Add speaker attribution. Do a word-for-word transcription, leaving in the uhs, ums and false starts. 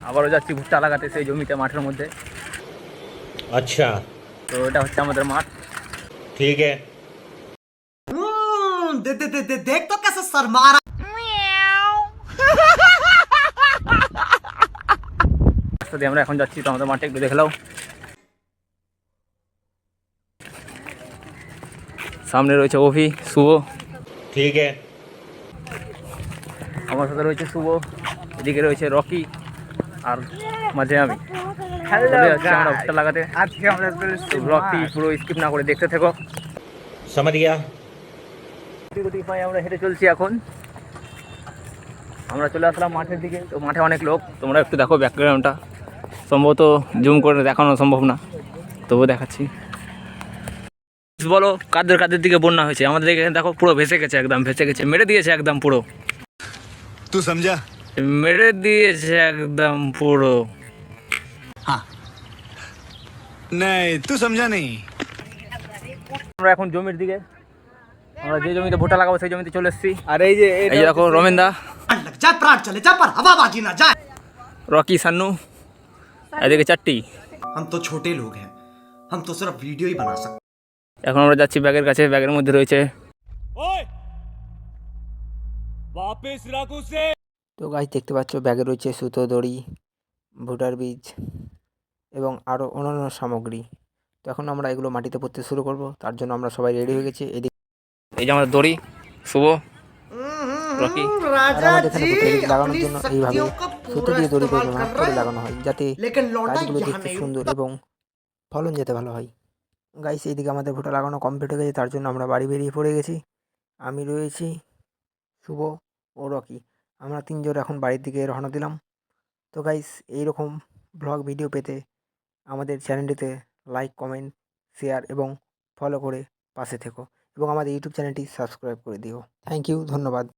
Speaker 1: আবারও যাচ্ছি ভুট্টা লাগাতে সেই জমিতে মাঠের মধ্যে।
Speaker 2: अच्छा
Speaker 1: তো এটা হচ্ছে আমাদের মাঠ।
Speaker 2: ठीक है।
Speaker 3: दे, दे, दे, दे, देख तो कैसे शर्मा रहा।
Speaker 1: রাস্তা দিয়ে আমরা এখন যাচ্ছি, তো আমাদের মাঠে একটু দেখলাও। সামনে রয়েছে অভি, শুভ,
Speaker 2: ठीक है।
Speaker 1: আমার সাথে রয়েছে শুভ, এদিকে রয়েছে রকি, আর মাঝে আমি। চলে যাচ্ছি আমরা ভুট্টা লাগাতে।
Speaker 3: আজকে আমরা
Speaker 1: তো ব্লগটি পুরো স্কিপ না করে দেখতে থেকো।
Speaker 2: समझ गया।
Speaker 1: গুটি গুটি পায়ে আমরা হেঁটে চলছি এখন। আমরা চলে আসলাম মাঠের দিকে। তো মাঠে অনেক লোক, তোমরা একটু দেখো ব্যাকগ্রাউন্ডটা। সম্ভবত জুম করে দেখানো সম্ভব না, তবুও দেখাচ্ছি। বলো কাদের কাদের দিকে বন্যা হয়েছে? আমাদের এখানে দেখো পুরো ভেসে গেছে, একদম ভেসে গেছে, মেরে দিয়েছে একদম পুরো।
Speaker 4: तू समझा?
Speaker 1: মেরে দিয়েছে একদম পুরো।
Speaker 4: नहीं तू समझा नहीं।
Speaker 1: আমরা এখন জমির দিকে, আমরা যে জমিতে ভুট্টা লাগাবো সেই জমিতে চলে এসেছি।
Speaker 3: আর এই যে
Speaker 1: এই যে দেখো রমেন দা,
Speaker 3: लग जाए प्राण चले जा पर हवाबाजी ना जाए।
Speaker 1: রকি, সান্নু, এদিকে চারটি।
Speaker 3: हम तो छोटे लोग हैं, हम तो सिर्फ वीडियो ही बना सकते।
Speaker 1: এখন আমরা যাচ্ছি ব্যাগের কাছে। ব্যাগের মধ্যে রয়েছে, তো গাছ দেখতে পাচ্ছ ব্যাগে রয়েছে সুতো, দড়ি, ভুটার বীজ এবং আরও অন্যান্য সামগ্রী। তো এখন আমরা এগুলো মাটিতে পুঁততে শুরু করব। তার জন্য আমরা সবাই রেডি হয়ে গেছি। এদিকে এই যে আমাদের দড়ি, শুভ, রকি। আর আমাদের এখানে ভুট্টা বীজ লাগানোর জন্য এইভাবে সুতো দিয়ে দড়ি করে ভাগ করে লাগানো হয়, যাতে
Speaker 3: लेकिन लौटा
Speaker 1: গাছগুলো
Speaker 3: यहाँ
Speaker 1: দেখতে
Speaker 3: नहीं
Speaker 1: সুন্দর এবং ফলন যেতে ভালো হয়। গাইস এইদিকে আমাদের ভুট্টা লাগানো কমপ্লিট হয়ে গেছে, তার জন্য আমরা বাড়ি বেরিয়ে পড়ে গেছি। আমি রয়েছি, শুভ ও রকি, আমরা তিনজন এখন বাড়ির দিকে রওনা দিলাম। তো গাইস এইরকম ব্লগ ভিডিও পেতে আমাদের চ্যানেলটিতে লাইক, কমেন্ট, শেয়ার এবং ফলো করে পাশে থেকো, এবং আমাদের ইউটিউব চ্যানেলটি সাবস্ক্রাইব করে দিও। থ্যাংক ইউ, ধন্যবাদ।